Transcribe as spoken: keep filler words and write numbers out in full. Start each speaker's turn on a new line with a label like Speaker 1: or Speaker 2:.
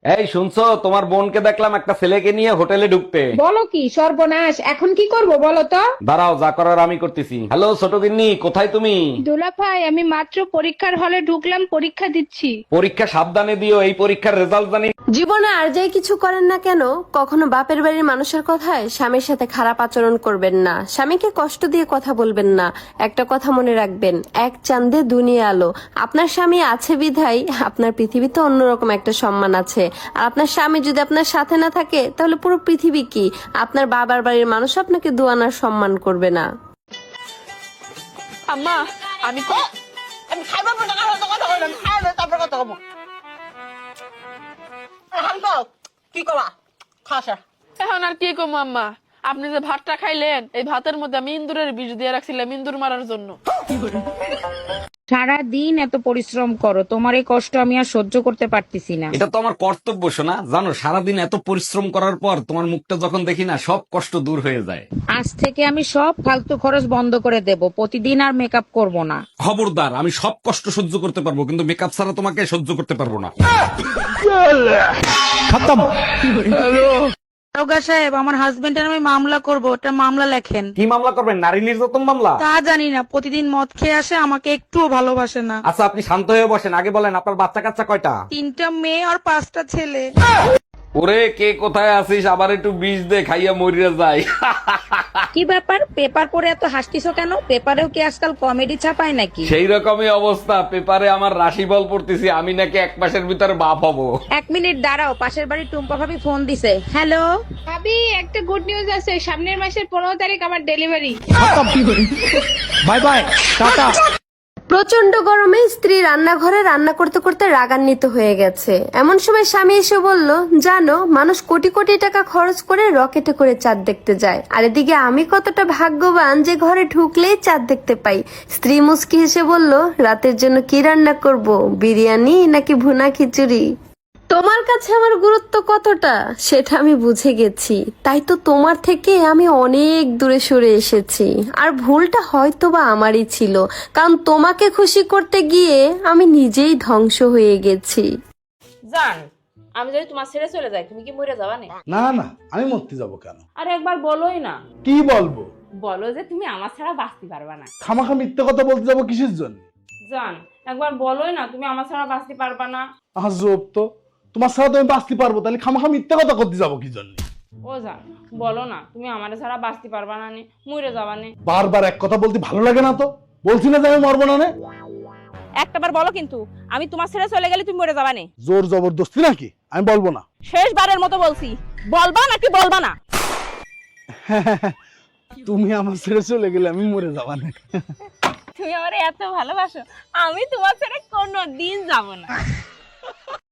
Speaker 1: এই শুনছো, তোমার বোনকে দেখলাম একটা ছেলেকে নিয়ে হোটেলে ঢুকতে।
Speaker 2: বলো কি সর্বনাশ, এখন কি করব বলো তো?
Speaker 1: দাঁড়াও, যা করার আমি করতেছি। হ্যালো ছোট গিন্নি, কোথায় তুমি?
Speaker 3: দোলা ভাই, আমি মাত্র পরীক্ষার হলে ঢুকলাম, পরীক্ষা দিচ্ছি।
Speaker 1: পরীক্ষা সাবধানে দিও, এই পরীক্ষার রেজাল্ট জানি।
Speaker 4: জীবনে আর যাই কিছু করেন না কেন, কখনো বাপের বাড়ির মানুষের কথায় স্বামীর সাথে খারাপ আচরণ করবেন না, স্বামীকে কষ্ট দিয়ে কথা বলবেন না। একটা কথা মনে রাখবেন, এক চাঁদে দুনিয়া আলো। আপনার স্বামী আছে বিধায় আপনার পৃথিবীতে অন্যরকম একটা সম্মান আছে। আর আপনার স্বামী যদি আপনার সাথে না থাকে, তাহলে পুরো পৃথিবী কি, আপনার বাবার বাড়ির মানুষ আপনাকে দুয়ানার সম্মান করবে না।
Speaker 3: আম্মা, আমি
Speaker 5: আমি খাইবার পর টাকা কথা কথা কইলাম খাইলে তারপর কথা কব এখন তো কি কবা খাসা
Speaker 3: এখন আর কি কম আম্মা, আপনি যে ভাতটা খাইলেন, এই ভাতের মধ্যে আমি ইন্দুরের বিষ দিয়ে রাখছিলাম ইন্দুর মারার জন্য।
Speaker 2: সারা দিন এত পরিশ্রম করো, তোমার এই কষ্ট আমি আর সহ্য করতে পারতেছি না।
Speaker 1: এটা তো আমার কর্তব্য শোনা। জানো, সারাদিন এত পরিশ্রম করার পর তোমার মুখটা যখন দেখি না, সব কষ্ট দূর হয়ে যায়।
Speaker 2: আজ থেকে আমি সব ফালতু খরচ বন্ধ করে দেব, প্রতিদিন আর মেকআপ করব না।
Speaker 1: খবরদার, আমি সব কষ্ট সহ্য করতে পারবো, কিন্তু মেকআপ ছাড়া তোমাকে সহ্য করতে পারবো না।
Speaker 6: দারোগা সাহেব, আমার হাজবেন্ডের আমি মামলা করব, ওটা মামলা লেখেন।
Speaker 1: কি মামলা করবেন? নারী নির্যাতন মামলা?
Speaker 6: তা জানি না, প্রতিদিন মদ খেয়ে আসে, আমাকে একটুও ভালোবাসে না।
Speaker 1: আচ্ছা, আপনি শান্ত হয়ে বসেন, আগে বলেন আপনার বাচ্চা কাচ্চা কয়টা?
Speaker 6: তিনটা মেয়ে আর পাঁচটা ছেলে।
Speaker 1: ওরে, কে কোথায় আছিস? আবার একটু বিষ দে, খাইয়া মরিয়া যায়।
Speaker 2: কি ব্যাপার, পেপার পড়ে এত হাসতিছো কেন? পেপারেও কি আজকাল কমেডি ছাপায় নাকি?
Speaker 1: সেই রকমই অবস্থা, পেপারে আমার রাশিফল পড়তেছি, আমি নাকি এক মাসের ভিতরে বাপ হব।
Speaker 2: এক মিনিট দাঁড়াও, পাশের বাড়ি টুম্পা ভাবি ফোন দিছে। হ্যালো
Speaker 3: ভাবি, একটা গুড নিউজ আছে, সামনের মাসের পনেরো তারিখ আমার ডেলিভারি।
Speaker 7: Bye bye, tata.
Speaker 4: প্রচন্ড গরমে স্ত্রী রান্নাঘরে রান্না করতে করতে রাগান্বিত হয়ে গেছে। এমন সময় স্বামী এসে বলল, জানো, মানুষ কোটি কোটি টাকা খরচ করে রকেটে করে চাঁদ দেখতে যায়, আর এদিকে আমি কতটা ভাগ্যবান যে ঘরে ঢুকলেই চাঁদ দেখতে পাই। স্ত্রী মুচকি হেসে বলল, রাতের জন্য কি রান্না করব, বিরিয়ানি নাকি ভুনা খিচুড়ি? তোমার কাছে আমার গুরুত্ব কতটা সেটা আমি বুঝে গেছি, তাই তো তোমার থেকে আমি অনেক দূরে সরে এসেছি। আর ভুলটা হয়তো বা আমারই ছিল, কারণ তোমাকে খুশি করতে গিয়ে আমি নিজেই ধ্বংস হয়ে গেছি।
Speaker 8: জান, আমি যদি তোমার ছেড়ে চলে যাই, তুমি কি মরে যাবা না?
Speaker 7: না না, আমি মরতে যাব কেন?
Speaker 8: আর একবার বলোই না।
Speaker 7: কি বলবো?
Speaker 8: বলো যে তুমি আমার ছাড়া বাঁচতে পারবা না।
Speaker 7: খামাখা মিথ্যে কথা বলতে যাবো কিসের জন্য?
Speaker 8: জান, একবার বলোই না তুমি আমার ছাড়া বাঁচতে পারবা না।
Speaker 7: আজব তো, তোমার সাথে তো আমি বাঁচতে পারবো, তাহলে খামাখা মিথ্যে কথা করতে যাবো কি জন্য?
Speaker 8: ও জান, বলো না তুমি আমার ছাড়া বাঁচতে পারবা না, মরে যাবা না।
Speaker 7: বারবার এক কথা বলতে ভালো লাগে না তো? বলছি না যে আমি মরবো না।
Speaker 8: একটাবার বলো কিন্তু, আমি তোমার ছেড়ে চলে গেলে তুমি মরে যাবা না।
Speaker 7: জোর জবরদস্তি নাকি? আমি বলবো না।
Speaker 8: শেষবারের মতো বলছি, বলবা নাকি বলবা না?
Speaker 7: তুমি আমার ছেড়ে চলে গেলে আমি মরে যাবা না।
Speaker 8: তুমি আমার এত ভালোবাসো, আমি তোমার ছেড়ে কোনো দিন যাব না।